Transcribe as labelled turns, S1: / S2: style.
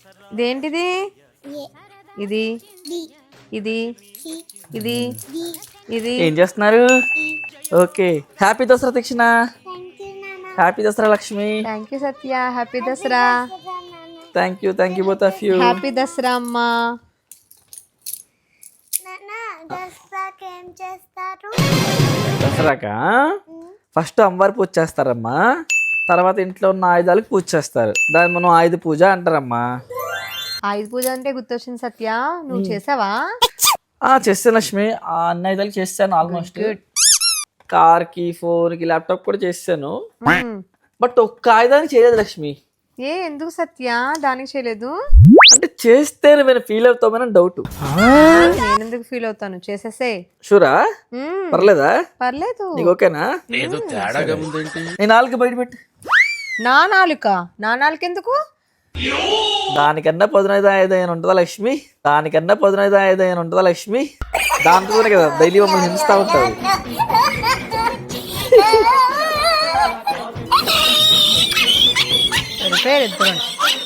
S1: ఇదేంటిది? ఇది ఇది ఇది ఇది
S2: ఏం చేస్తున్నారు? Okay, happy Dasara Deekshana. Happy Dasara Lakshmi.
S1: Thank you Satya. Happy Dasara.
S2: Thank you both of you.
S1: Happy Dasara అమ్మా.
S2: దసరాకా ఫస్ట్ అమ్మవారి పూజ చేస్తారమ్మా, తర్వాత ఇంట్లో ఉన్న ఆయుధాలకు పూజ చేస్తారు. దాన్ని మనం ఆయుధ పూజ అంటారమ్మా.
S1: ఆయుధ పూజ అంటే గుర్తొచ్చింది సత్య, నువ్వు చేసావా?
S2: చేస్తాను లక్ష్మి, అన్ని ఆయుధాలు చేస్తాను ఆల్మోస్ట్. కార్కి, ఫోన్కి, ల్యాప్టాప్ కూడా చేస్తాను. బట్ ఒక్క ఆయుధానికి చేయలేదు లక్ష్మి.
S1: ఎందుకు సత్య దానికి చేయలేదు?
S2: అంటే చేస్తే నేను ఫీల్ అవుతామని డౌట్.
S1: నేను ఎందుకు ఫీల్ అవుతాను, చేసేసే.
S2: షూరా? పర్లేదా?
S1: పర్లేదు.
S2: నీకు ఓకేనా? నేను నాలుగు బయట పెట్టు.
S1: నా నాలుక ఎందుకు?
S2: దానికన్నా పదునైదు ఆయుధం ఉంటుందా లక్ష్మి? దాంతోనే కదా డైలీ మమ్మల్ని హింస్తా ఉంటారు.
S1: ఇద్దరు